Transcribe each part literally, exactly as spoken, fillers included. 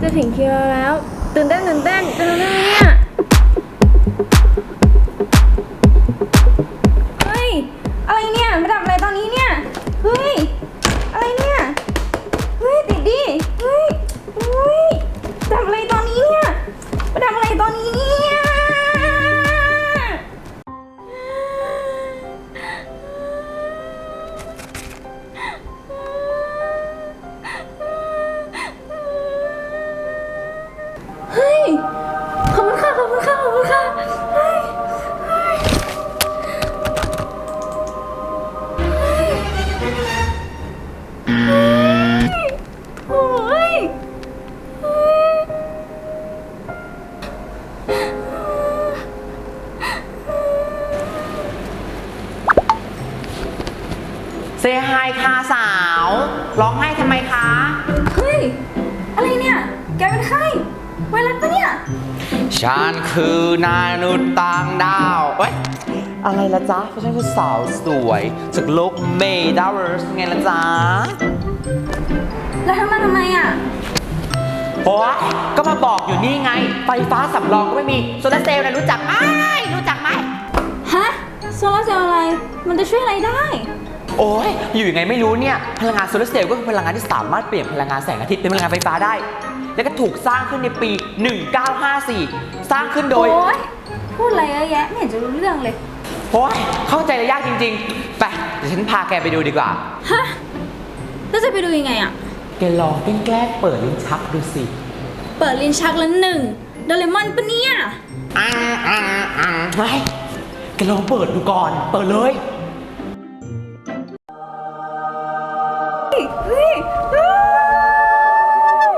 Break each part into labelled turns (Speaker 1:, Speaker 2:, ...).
Speaker 1: ถึงคิวแล้วตื่นเต้นตื่นเต้นตื่นเต้นเนี่ยเฮ้ยอะไรเนี่ยมาดับอะไรตอนนี้เนี่ยเฮ้ยอะไรเนี่ยเฮ้ยติดดิเฮ้ยเฮ้ยดับอะไรตอนนี้เนี่ยมาดับอะไรตอนนี้เนี่ยเฮ้ยขอบคุณค่ะขอบคุณค่ะขอบคุณค่ะเฮ้ยเฮ้ยเฮ้ยโอ้ยเฮ้ย
Speaker 2: เซฮายค่ะสาวร้องไห้ทำไมคะ
Speaker 1: เฮ้ยอะไรเนี่ยแกเป็นใครไวรัสปะเนี่ย
Speaker 2: ฉันคือนายนุษย์ต่างดาวเอ้ยอะไรละจ๊ะเพราะฉันคือสาวสวยจากโลกเมดาเวิร์สไงละจ๊ะ
Speaker 1: แล้วทำมาทำไมอ่ะ
Speaker 2: โอ้ยก็มาบอกอยู่นี่ไงไฟฟ้าสำรองก็ไม่มีโซลาร์เซลล์นะรู้จักไหมรู้จักไหม
Speaker 1: ฮะโซลาร์เซลล์อะไรมันจะช่วยอะไรได้
Speaker 2: โอ้ยอยู่ยังไงไม่รู้เนี่ยพลังงานโซลาร์เซลล์ก็คือพลังงานที่สามารถเปลี่ยนพลังงานแสงอาทิตย์เป็นพลังงานไฟฟ้าได้แล้วก็ถูกสร้างขึ้นในปีหนึ่งเก้าห้าสี่สร้างขึ้นโดย
Speaker 1: โอ้ยพูดอะไรเยอะแยะไม่เห็นจะรู้เรื่องเลย
Speaker 2: โอ้ยเข้าใจเลยยากจริงๆไปเดี๋ยวฉันพาแกไปดูดีกว่า
Speaker 1: ฮะแล้วจะไปดูยังไงอ่ะ
Speaker 2: แกลองแกล้งเปิดลิ้นชักดูสิ
Speaker 1: เปิดลิ้นชักแล้วหนึ่งโดเรมอนปะเนี่ย
Speaker 2: อังอังอังไงแกลองเปิดดูก่อนเปิดเลย
Speaker 1: เฮ้ยเฮ้ย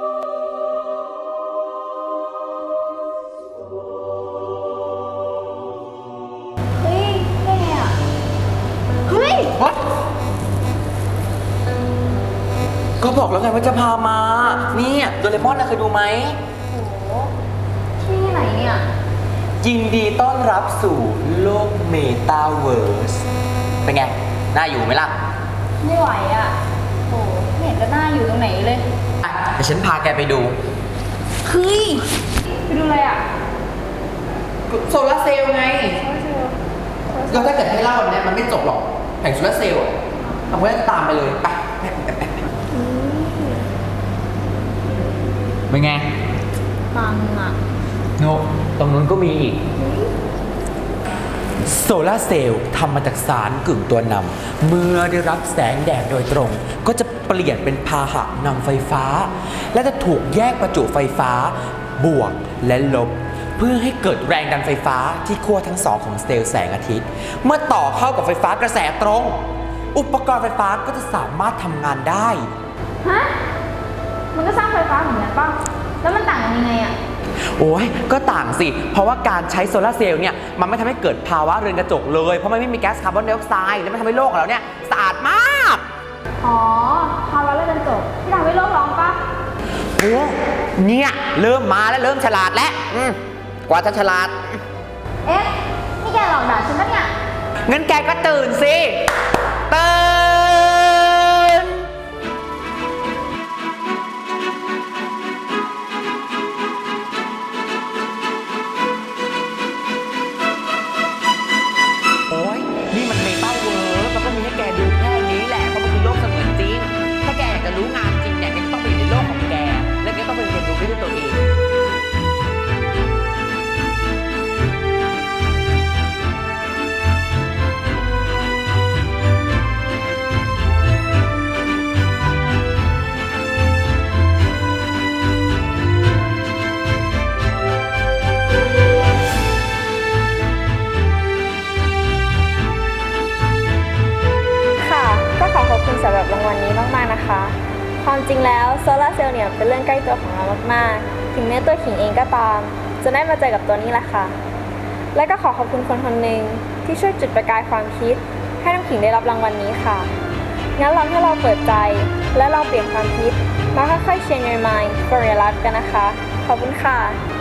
Speaker 1: เฮ้ยแกอ่ะเฮ้ย
Speaker 2: ก็บอกแล้วไงว่าจะพามานี่โดเรมอนนะเคยดูไหม
Speaker 1: โอ้ที่ไหนเนี่ย
Speaker 2: ยินดีต้อนรับสู่โลกเมตาเวิร์สเป็นไงน่าอยู่ไหมล่ะ
Speaker 1: ไม่ไหวอ่ะโอ้ไม่เห็นจะน่าอยู่ตรงไหนเลย
Speaker 2: เดี๋ยวฉันพาแกไปดู
Speaker 1: เฮ้ยไปดูอะไรอ่ะ
Speaker 2: โซลาร์เซลล์ไงก็ถ้าเกิดให้เล่าเนี่ยมันไม่จบหรอกแผงโซลาร์เซลล์เอาไว้ตามไปเลยไปเป็นไง
Speaker 1: ปังอ่ะ
Speaker 2: โนตรงนู้นก็มีอีกโซลาร์เซลล์ทำมาจากสารกึ่งตัวนำเมื่อได้รับแสงแดดโดยตรงก็จะเปลี่ยนเป็นพาหะนำไฟฟ้าและจะถูกแยกประจุไฟฟ้าบวกและลบเพื่อให้เกิดแรงดันไฟฟ้าที่ขั้วทั้งสองของเซลล์แสงอาทิตย์เมื่อต่อเข้ากับไฟฟ้ากระแสตรงอุปกรณ์ไฟฟ้าก็จะสามารถทำงานได้
Speaker 1: ฮะมันก็สร้างไฟฟ้าเหมือนกันป่ะแล้วมันต่างกันยังไงอะ
Speaker 2: โอ้ยก็ต่างสิเพราะว่าการใช้โซลาร์เซลล์เนี่ยมันไม่ทำให้เกิดภาวะเรือนกระจกเลยเพราะมันไม่มีแก๊สคาร์บอนไดออกไซด์และมันทำให้โลกของเราเนี่ยสะอาดมาก
Speaker 1: อ๋อภาวะเรือนกระจกที่ทำให้โลกร้อนป่ะ
Speaker 2: โอ้เนี่ยเริ่มมาแล้วเริ่มฉลาดแล้วกว่าจะฉลาด
Speaker 1: เอ๊ะนี่แกหลอกด่าฉันปะเนี่ย
Speaker 2: งั้นแกก็ตื่นสิตื่นโอ้ยนี่มันเมตาเวิร์สมันก็มีให้แกดูแค่นี้แหละเพราะมันคือโลกเสมือนจริงถ้าแกอยากจะรู้งานจริงเนี่ยแกก็ต้องไปอยู่ในโลกของแกและแกต้องไปเรียนรู้ด้วยตัวเอง
Speaker 1: สำหรับรางวัลนี้มากๆนะคะความจริงแล้วโซลาร์เซลล์เนี่ยเป็นเรื่องใกล้ตัวของเรามากๆถึงแม้ตัวขิงเองก็ตามจะได้มาเจอกับตัวนี้แหละค่ะและก็ขอขอบคุณคนคนหนึ่งที่ช่วยจุดประกายความคิดให้น้ำขิงได้รับรางวัลนี้ค่ะงั้นลองให้เราเปิดใจและลองเปลี่ยนความคิดมาค่อยๆ change your mind for your life กันนะคะขอบคุณค่ะ